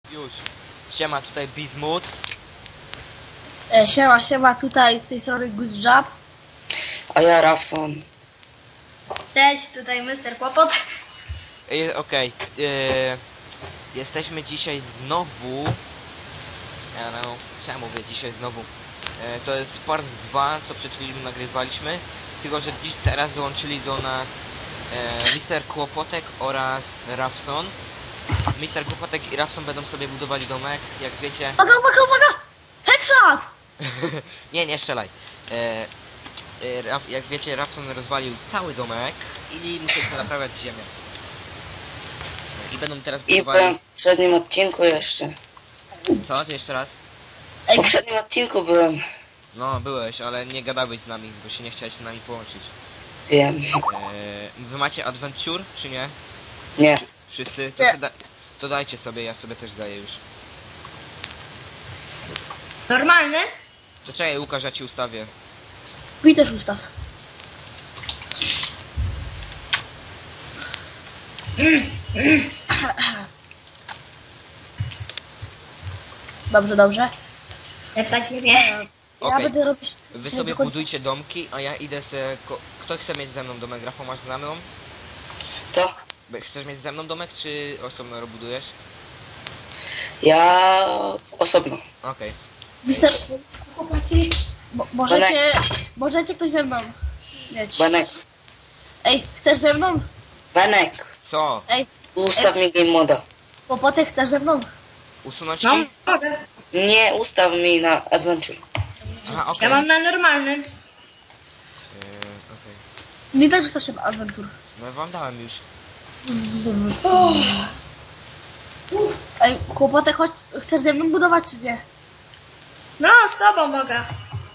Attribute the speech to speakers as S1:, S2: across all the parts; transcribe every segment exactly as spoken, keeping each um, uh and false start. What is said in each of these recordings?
S1: Już. Siema, tutaj Bismuth.
S2: E, siema, siema, tutaj z tej strony Good Job.
S3: A ja Rafson.
S4: Cześć, tutaj mister Kłopot.
S1: Okej, okay. Eee, jesteśmy dzisiaj znowu... Ja no, czemu mówię dzisiaj znowu? Eee, to jest part dwa, co przed chwilą nagrywaliśmy. Tylko, że dziś teraz dołączyli do nas e, mister Kłopotek oraz Rafson. mister Kłopotek i Rafson będą sobie budowali domek, jak wiecie...
S2: Uwaga, uwaga, uwaga! Headshot!
S1: nie, nie strzelaj. E, e, jak wiecie, Rafson rozwalił cały domek i musi naprawiać ziemię. I będą teraz
S3: I
S1: budowali...
S3: byłem w poprzednim odcinku jeszcze.
S1: Co? To jeszcze raz?
S3: W
S2: Ej,
S3: poprzednim odcinku byłem.
S1: No, byłeś, ale nie gadałeś z nami, bo się nie chciałeś z nami połączyć.
S3: Wiem.
S1: Eee, wy macie Adventure, czy nie?
S3: Nie.
S1: Wszyscy? To,
S2: Nie.
S1: to, da to dajcie sobie, ja sobie też daję już.
S4: Normalny?
S1: To czekaj, Łukasz, ja ci ustawię.
S2: mi też ustaw. Dobrze, dobrze.
S4: Jak tak nie wie.
S2: Ja
S1: Okej.
S2: będę robić...
S1: Wy
S2: dzisiaj
S1: sobie
S2: do końca-
S1: budujcie domki, a ja idę se... Ko Kto chce mieć ze mną domek? Rafał, masz ze mną?
S3: Co?
S1: Be- Chcesz mieć ze mną domek, czy osobno robudujesz?
S3: Ja osobno.
S1: Okej.
S2: Mister... Chłopacy, mo możecie... Możecie ktoś ze mną mieć.
S3: Benek.
S2: Ej, chcesz ze mną?
S3: Benek.
S1: Co?
S2: Ej,
S3: Ustaw mi game moda.
S2: Kłopotek, chcesz ze mną?
S1: Usunąć
S4: No,
S1: ci?
S4: mogę.
S3: Nie, ustaw mi na adventure.
S1: Aha, okej.
S4: Ja mam na normalnym.
S1: Eee, okej.
S2: Mi też ustaw się w Adventure.
S1: No wam dałem już.
S2: Ej, Kłopotek, chodź, chcesz ze mną budować czy nie?
S4: No, z tobą mogę.
S1: Eee,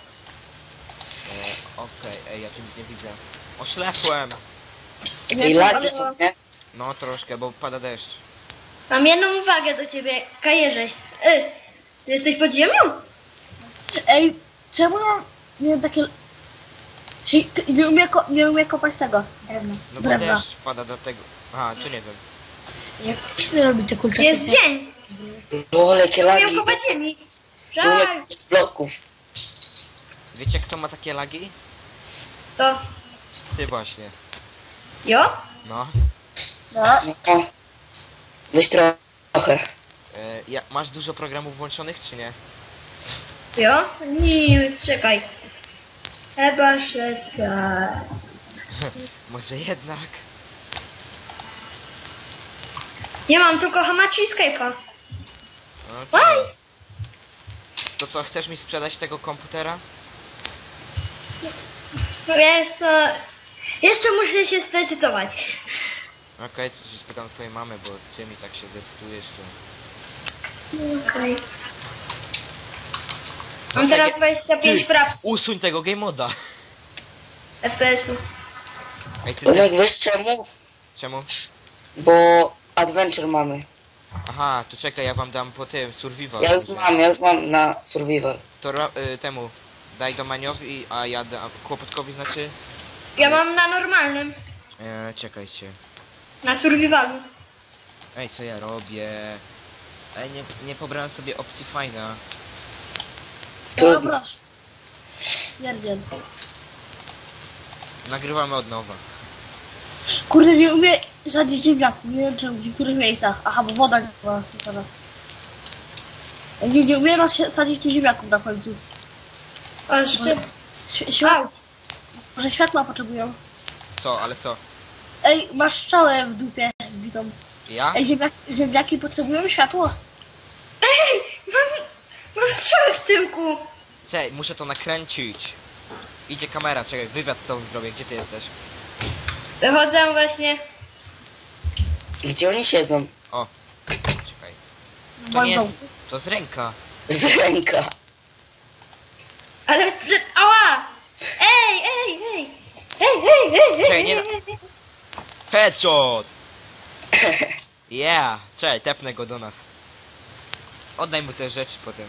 S1: okej, ej, ja tu nic nie widzę. Oślepłem!
S2: Nie,
S3: I
S2: to-
S3: lagi
S2: ale-
S3: są, nie?
S1: No troszkę, bo pada deszcz.
S4: Mam jedną uwagę do ciebie, kajerześ. Y, ty jesteś pod ziemią?
S2: Ej, czemu ja mam, nie wiem, takie... Czyli ty nie umie, ko nie umie kopać tego drewna.
S1: No bo
S2: Drewna.
S1: deszcz pada do tego. Aha, tu nie wiem.
S2: Jak się robi te kulczaki?
S4: Jest dzień.
S3: No, jakie
S4: Nie
S3: lagi.
S4: umiem kopać ziemi.
S3: Nie
S4: Żal.
S3: umiem kopać bloków.
S1: Wiecie kto ma takie lagi?
S4: To.
S1: Ty właśnie.
S4: Jo?
S1: No.
S2: No,
S3: No. Dość trochę.
S1: E, ja, masz dużo programów włączonych, czy nie?
S4: Jo? Nie, czekaj. Chyba się tak.
S1: Może jednak?
S4: Nie mam tylko Hamachi i Skype'a.
S1: No, to,
S4: Oj!
S1: to co, chcesz mi sprzedać tego komputera?
S4: Wiesz co? Jeszcze muszę się zdecydować.
S1: Okej, to się spytam twojej mamy, bo ty mi tak się decydujesz, to...
S4: Okej.
S1: No
S4: Mam teraz
S1: czekaj.
S4: dwadzieścia pięć
S1: Ty,
S4: fraps
S1: usuń tego game moda!
S4: F P S-u.
S1: Ej, ty
S3: Benek,
S1: też...
S3: wiesz czemu?
S1: Czemu?
S3: Bo adventure mamy.
S1: Aha, to czekaj, ja wam dam po tym survival.
S3: Ja już mam, ja już mam na survival.
S1: To ra- y, temu daj do Maniowi, a ja dam Kłopotkowi, znaczy...
S4: Ja mam na normalnym.
S1: E, czekajcie.
S4: Na survivalu.
S1: Ej, co ja robię? Ej, nie, nie pobrałem sobie opcji fajna.
S2: no
S3: Trudno.
S2: proszę. Pierdziel.
S1: Nagrywamy od nowa.
S2: Kurde, nie umie sadzić ziemniaków, nie wiem czemu, w niektórych miejscach. Aha, bo woda nie była stosowana. Nie, nie umie nas się- sadzić tu ziemniaków na końcu.
S4: Aż ty.
S2: Ś- Światło. Może światła potrzebują.
S1: Co, ale co?
S2: Ej, masz strzałę w dupie wbitą.
S1: Ja?
S2: Ej, ziemniaki, ziemniaki potrzebują światło.
S4: Ej! Mam, mam strzałę w tyłku.
S1: Czekaj, muszę to nakręcić. Idzie kamera, czekaj, wywiad z tobą zrobię, gdzie ty jesteś?
S4: Wychodzę właśnie.
S3: Gdzie oni siedzą?
S1: O, czekaj.
S2: W
S1: To nie
S2: moim
S1: jest,
S2: domu.
S1: to z ręka.
S3: Z ręka.
S4: Ale... Ała! Ej, ej, ej! Ej, ej, ej,
S1: Czekaj,
S4: ej,
S1: nie
S4: ej,
S1: da-
S4: ej, ej.
S1: Headshot! Yeah! Czekaj, tepnę go do nas. Oddaj mu te rzeczy potem.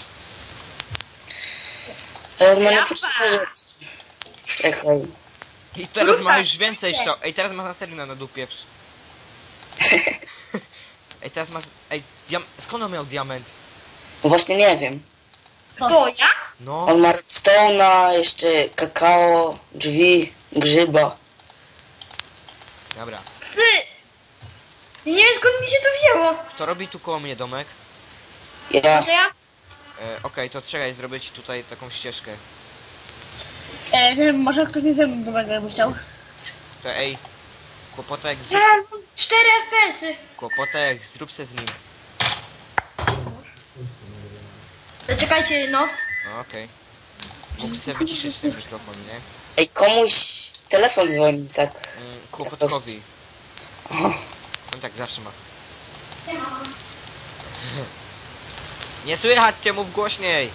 S3: Ale on ma
S4: Japa.
S3: niepotrzebne rzeczy. Czekaj.
S1: I teraz ma
S4: Kurwa,
S1: już więcej
S4: słuchajcie.
S1: strzał. Ej, teraz ma na serio na dupie. Ej, teraz masz... Ej, diam... skąd on miał diament?
S3: No właśnie nie wiem.
S4: Kto, ja?
S1: No,
S3: On ma redstone'a, jeszcze kakao, drzwi, grzyba.
S1: dobra.
S4: Ty! Nie wiem skąd mi się to wzięło.
S1: Kto robi tu koło mnie domek?
S3: Ja.
S4: Może ja?
S1: E, Okej, to czekaj, zrobię ci tutaj taką ścieżkę.
S2: E, nie wiem, może ktoś mnie ze mną do mego jakby chciał.
S1: To ej, kłopotek, z...
S4: Ja mam cztery F P S-y.
S1: kłopotek, zrób se z nim.
S4: To czekajcie, no.
S1: No okej. Mógł sobie wyciszyć ten mikrofon, nie?
S3: Ej, komuś telefon dzwoni, tak.
S1: Mm, kłopotkowi.
S3: O,
S1: On tak zawsze ma. Nie słychać cię, mów głośniej!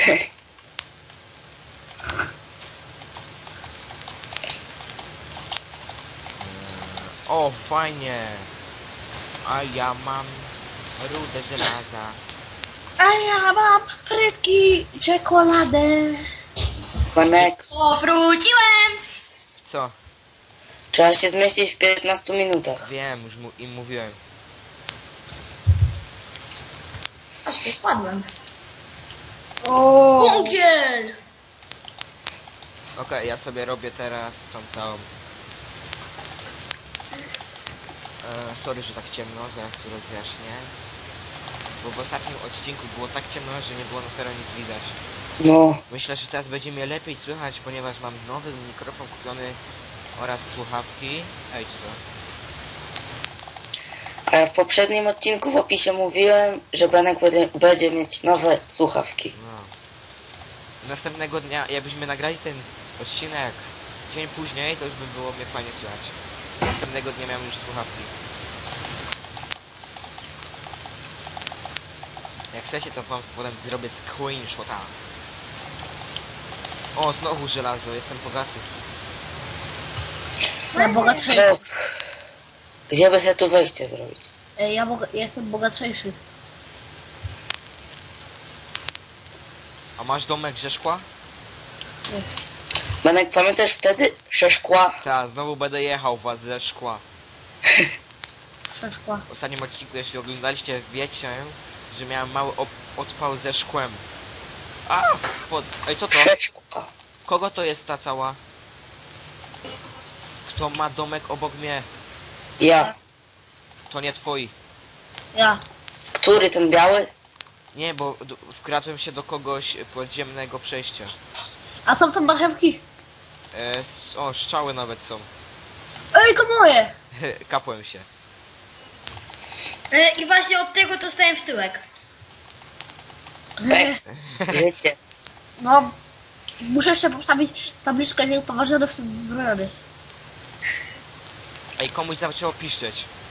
S1: O, fajnie! A ja mam rudę żelaza.
S2: A ja mam frytki, czekoladę.
S3: Manek,
S4: O, wróciłem!
S1: Co?
S3: trzeba się zmieścić w piętnastu minutach.
S1: Wiem, już mu, im mówiłem.
S4: Aż tu spadłem.
S2: O.
S4: Bunkiel!
S1: Okej, ja sobie robię teraz tą całą... E, sorry, że tak ciemno, zaraz tu rozjaśnię. Bo w ostatnim odcinku było tak ciemno, że nie było na serio nic widać.
S3: No,
S1: Myślę, że teraz będzie mnie lepiej słychać, ponieważ mam nowy mikrofon kupiony oraz słuchawki. Ej, co?
S3: a ja w poprzednim odcinku w opisie mówiłem, że Benek będzie, będzie mieć nowe słuchawki.
S1: No. Następnego dnia, jakbyśmy nagrali ten odcinek dzień później, to już by było mnie fajnie słychać. Następnego dnia miałem już słuchawki. Jak chcecie, to wam potem zrobię screenshota. O, znowu żelazo, jestem bogaty.
S2: Ja bogatszejszy.
S3: No, gdzie by sobie tu wejście zrobić?
S2: E, ja, boga, ja jestem bogatszejszy.
S1: A masz domek ze szkła?
S3: Benek, pamiętasz wtedy? Przeszkła.
S1: Tak, znowu będę jechał was ze szkła.
S2: Przeszkła.
S1: W ostatnim odcinku, jeśli oglądaliście, wiecie, że miałem mały op odpał ze szkłem. A! Pod... Ej, co to?
S3: Przeszkła.
S1: Kogo to jest ta cała? Kto ma domek obok mnie?
S3: Ja.
S1: To nie twoi.
S2: Ja.
S3: Który, ten biały?
S1: Nie, bo d- wkradłem się do kogoś podziemnego przejścia.
S2: A są tam marchewki?
S1: E, s- o, strzały nawet są.
S2: Ej, to moje!
S1: Kapłem się.
S4: E, I właśnie od tego dostałem w tyłek.
S3: Pech. Życie.
S2: No, muszę jeszcze postawić tabliczkę nieupoważniony w tym brony.
S1: Ej, komuś zaczęło piszczeć.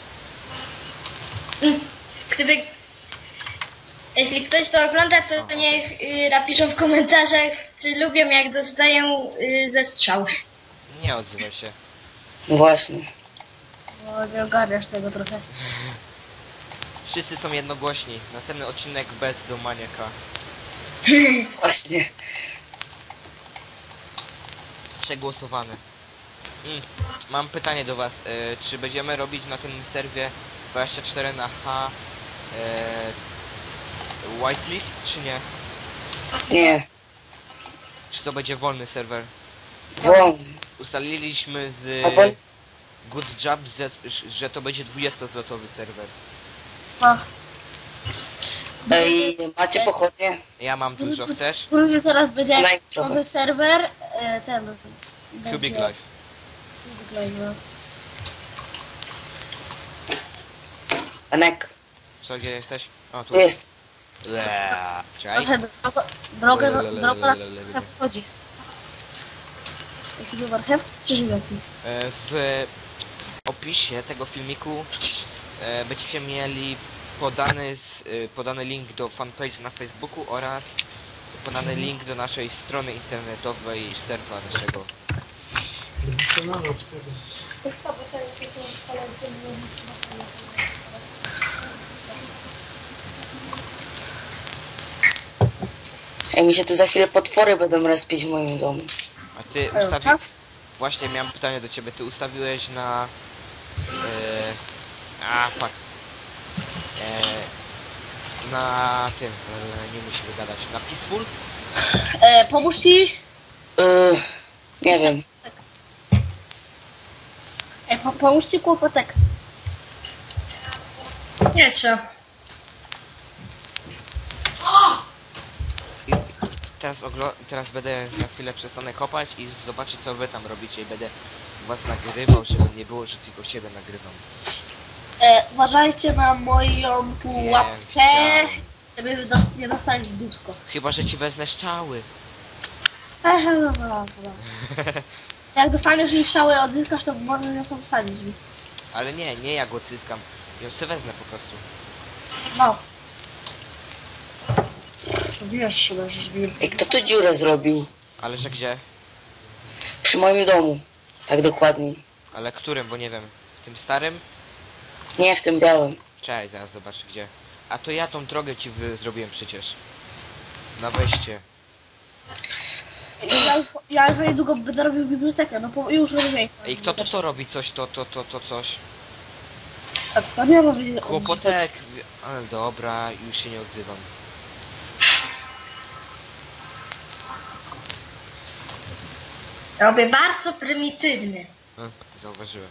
S4: Mm. Gdyby... Jeśli ktoś to ogląda, to niech y, napiszą w komentarzach, czy lubią jak dostają y, ze strzał.
S1: Nie odzywaj się.
S3: No właśnie.
S2: No, nie ogarniasz tego trochę.
S1: Wszyscy są jednogłośni. Następny odcinek bez do maniaka.
S3: Właśnie.
S1: Przegłosowany. Mm. Mam pytanie do was. E, czy będziemy robić na tym serwie dwadzieścia cztery na H e, whitelist, czy nie?
S3: Nie.
S1: Czy to będzie wolny serwer?
S3: Włącz.
S1: Ustaliliśmy z
S3: Albo...
S1: Good Job, że, że to będzie dwudziestozlotowy serwer.
S2: No.
S3: Ej, macie pochodnie?
S1: Ja mam dużo, chcesz?
S2: Drugi teraz będzie
S3: Daj trochę.
S2: nowy serwer. E, ten.
S1: Cubic
S2: będzie-
S1: Life.
S2: Cubic Life, no.
S3: Benek,
S1: Co, gdzie jesteś? O, tu.
S3: tu jest.
S1: Eee, Czekaj.
S2: Trochę drogo, drogę,
S1: Lelelelelelele.
S2: droga nas trochę wchodzi. Jakiś marchewki czy ziemniaki?
S1: E, W opisie tego filmiku e, będziecie mieli podany, z, e, podany link do fanpage na Facebooku oraz podany link do naszej strony internetowej serwa naszego.
S3: Ej, mi się tu za chwilę potwory będą respić w moim domu.
S1: A ty
S2: Ej,
S1: ustawi...
S2: czas?
S1: Właśnie miałem pytanie do ciebie. Ty ustawiłeś na... E... A, fuck. E, na tym, e, nie musimy gadać, na Peaceful?
S2: E, pomóż ci.
S3: Yy, nie wiem.
S2: E, po, pomóż ci kłopotek.
S4: Nie trzeba.
S1: I teraz, oglo- teraz będę na chwilę przestanę kopać i zobaczyć co wy tam robicie i będę was nagrywał, żeby nie było, że tylko siebie nagrywam.
S2: E, uważajcie na moją pułapkę,
S1: chciałem.
S2: żeby do, nie dostać w dupsko.
S1: Chyba, że ci wezmę strzały.
S2: Ehe, dobra, dobra. Jak dostaniesz jej strzały odzyskasz, to możesz ją tam wsadzić mi.
S1: Ale nie, nie ja go cyskam. Ja sobie wezmę po prostu.
S2: No. Wiesz, że będziesz bił.
S3: Ej, kto tu dziurę zrobił?
S1: Ale że gdzie?
S3: Przy moim domu. Tak dokładniej.
S1: Ale którym, bo nie wiem. W tym starym?
S3: Nie, w tym białym.
S1: Cześć, zaraz zobacz gdzie. A to ja tą drogę ci wy- zrobiłem przecież. Na wejście.
S2: Ja, ja za niedługo będę robił bibliotekę, no po, już robię.
S1: Ej, kto to to robi coś, to, to, to, to coś?
S2: A skąd ja robię?
S1: Kłopotek. Ale dobra, już się nie odzywam.
S4: Robię bardzo prymitywny.
S1: Hm, zauważyłem.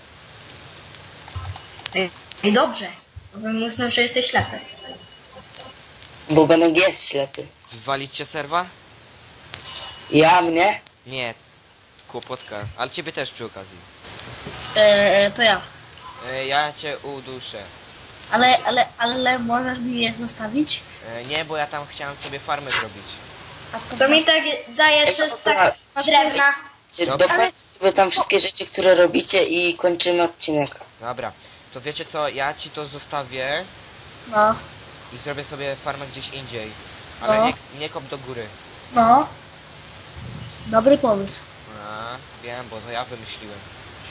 S4: I dobrze. Bo bym uznał, że jesteś ślepy.
S3: Bo Benek jest ślepy.
S1: Wywalić cię serwa?
S3: Ja mnie?
S1: Nie. Kłopotka. Ale ciebie też przy okazji.
S2: E, to ja.
S1: E, ja cię uduszę.
S2: Ale, ale, ale możesz mi je zostawić?
S1: E, nie, bo ja tam chciałem sobie farmę zrobić.
S2: A
S4: To mi tak da jeszcze z tak drewna.
S3: Dokończcie sobie tam wszystkie rzeczy, które robicie i kończymy odcinek.
S1: Dobra. To wiecie co, ja ci to zostawię
S2: No,
S1: i zrobię sobie farmę gdzieś indziej. Ale
S2: No.
S1: nie, nie kop do góry.
S2: no. Dobry pomysł.
S1: A, wiem, bo to ja wymyśliłem.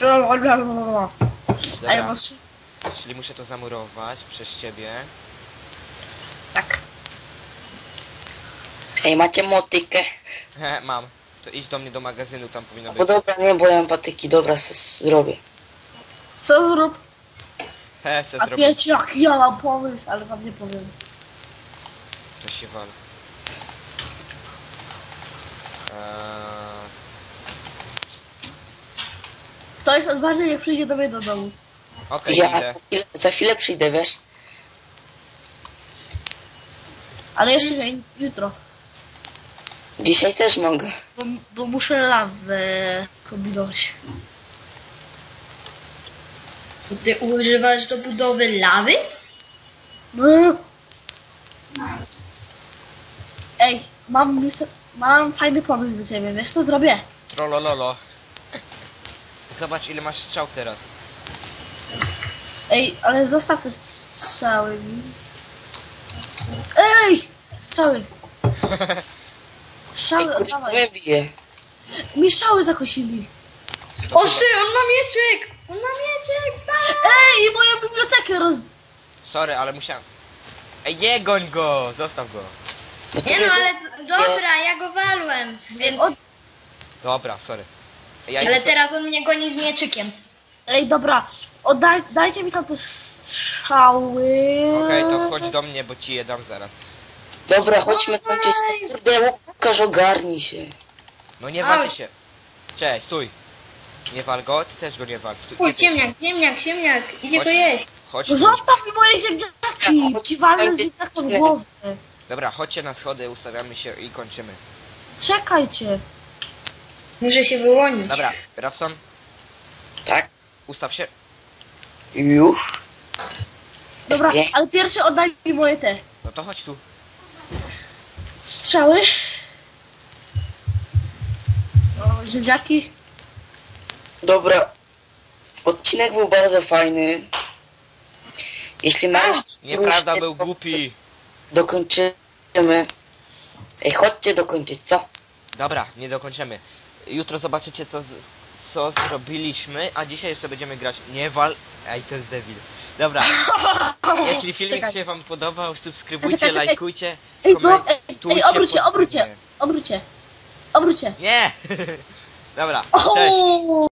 S2: A ja
S1: Dobra,
S2: muszę...
S1: czyli muszę to zamurować przez ciebie.
S2: Tak.
S3: Ej, macie motykę?
S1: He, mam. To idź do mnie do magazynu, tam powinno
S3: Bo
S1: być.
S3: dobra, nie, bo ja mam patyki. Dobra, s- zrobię.
S2: Co zrób?
S1: He, se
S2: A
S1: zrobię.
S2: wiecie jak ja mam pomysł, ale wam nie powiem.
S1: To się wal. Eee,
S2: Kto jest odważny, niech przyjdzie do mnie do domu.
S1: Okej,
S3: Ja
S1: idę.
S3: za chwilę, za chwilę przyjdę, wiesz?
S2: Ale jeszcze nie, jutro.
S3: Dzisiaj też mogę.
S2: Bo, bo muszę lawę kombinować.
S4: Ty używasz do budowy lawy?
S2: No. Ej, mam, mis- mam fajny pomysł do ciebie, wiesz co zrobię?
S1: Trollololo. Zobacz ile masz strzał teraz.
S2: Ej, ale zostaw te strzały mi. Ej! Strzały!
S3: Ej,
S2: Strzały,
S3: kurde, to
S2: oddawaj.
S3: mnie bije.
S2: Mi strzały zakosili.
S1: To
S4: O
S1: chyba-
S4: ty, on ma mieczyk! On ma mieczyk, stary!
S2: Ej, i moją bibliotekę roz...
S1: Sorry, ale musiałem. Ej, nie goń go! Zostaw go.
S3: No to
S4: Nie no,
S3: mnie
S4: ale
S3: zostawcie.
S4: dobra, ja go walłem. Więc...
S2: Od...
S1: Dobra, sorry. Ja
S4: Ale
S1: idę-
S4: teraz on mnie goni z mieczykiem.
S2: Ej, dobra, oddaj, dajcie mi tam te strzały.
S1: Okej, to chodź do mnie, bo ci je dam zaraz.
S3: Dobra, chodźmy kończyć. No kurde, Łukasz, ogarnij się.
S1: No nie walcie
S4: Chodź.
S1: się. Cześć, stój. Nie wal go, ty też go nie wal. Stój,
S4: Uj,
S1: nie, ty-
S4: ziemniak, ziemniak, ziemniak. Idzie
S1: Chodź.
S4: go jeść.
S1: Chodź
S2: No
S1: tu.
S2: zostaw mi moje ziemniaki!
S3: Chodź,
S2: Ci walę
S3: chodź,
S2: z ziemniaką w
S3: chodź.
S2: głowę.
S1: Dobra, chodźcie na schody, ustawiamy się i kończymy.
S2: Czekajcie.
S4: Muszę się wyłonić.
S1: Dobra, Rapson,
S3: Tak?
S1: ustaw się.
S3: Już?
S2: Dobra,
S3: Nie.
S2: ale pierwszy oddaj mi moje te
S1: No to chodź tu.
S2: strzały. O, ziemniaki.
S3: Dobra. Odcinek był bardzo fajny. Jeśli Mariusz...
S1: Nieprawda, był głupi.
S3: Dokończymy. Ej, chodźcie dokończyć, co?
S1: Dobra, nie dokończymy. Jutro zobaczycie co, z- co zrobiliśmy, a dzisiaj jeszcze będziemy grać. Nie wal... Ej, to jest debil. Dobra, jeśli filmik
S2: Czekaj.
S1: się wam podobał, subskrybujcie,
S2: Czekaj, czekaj.
S1: lajkujcie,
S2: Ej, do, ej,
S1: komentujcie,
S2: ej, obróć się, obróć się,
S1: podsumujcie.
S2: obróć się, obróć się.
S1: Nie! Dobra, cześć.
S2: O!